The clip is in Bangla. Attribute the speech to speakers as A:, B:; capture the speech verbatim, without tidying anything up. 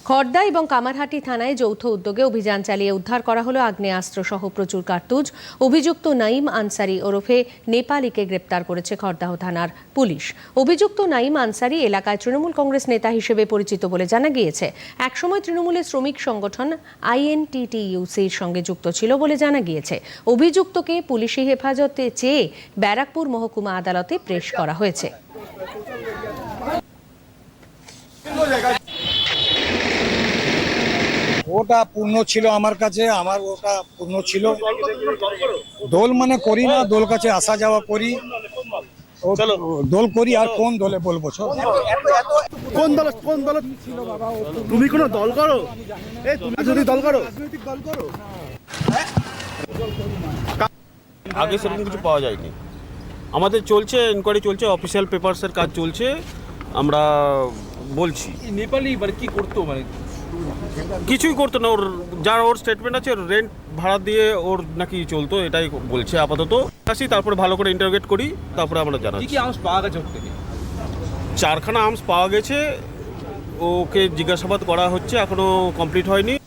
A: খড়দা এবং কামারহাটি থানায় যৌথ উদ্যোগে অভিযান চালিয়ে উদ্ধার করা হলো আগ্নেয়াস্ত্র সহ প্রচুর কার্তুজ। অভিযুক্ত নাইম আনসারি ওরফে নেপালিকে গ্রেপ্তার করেছে খড়দাহ থানার পুলিশ। অভিযুক্ত নাইম আনসারি এলাকায় তৃণমূল কংগ্রেস নেতা হিসেবে পরিচিত বলে জানা গিয়েছে। একসময় তৃণমূলের শ্রমিক সংগঠন আইএনটিটিইউসির সঙ্গে যুক্ত ছিল বলে জানা গিয়েছে। অভিযুক্তকে পুলিশি হেফাজতে চেয়ে ব্যারাকপুর মহকুমা আদালতে পেশ করা হয়েছে।
B: ওটা পূর্ণ ছিল আমার কাছে, আমার ওটা পূর্ণ ছিল। দোল মানে করি না, দোল কাছে আসা যাওয়া করি, দোল করি। আর কোন দলে বলবো?
C: কোন দল কোন দল ছিল বাবা? তুমি কোন দল করো? এই তুমি যদি দল করো, রাজনৈতিক দল করো।
D: আগে সেরকম কিছু পাওয়া যায়নি। আমাদের চলছে এনকোয়ারি চলছে, অফিসিয়াল পেপারসের কাজ চলছে। আমরা বলছি
E: নেপালি মানে কি করতো, মানে
D: কিছুই করতো না। ওর যার ওর স্টেটমেন্ট আছে, রেন্ট ভাড়া দিয়ে ওর নাকি চলতো, এটাই বলছে আপাতত। আসি, তারপরে ভালো করে ইন্টারোগেট করি, তারপরে আমরা জানাই।
E: কি কি আর্মস পাওয়া গেছে ওর থেকে?
D: চারখানা আর্মস পাওয়া গেছে। ওকে জিজ্ঞাসাবাদ করা হচ্ছে, এখনো কমপ্লিট হয়নি।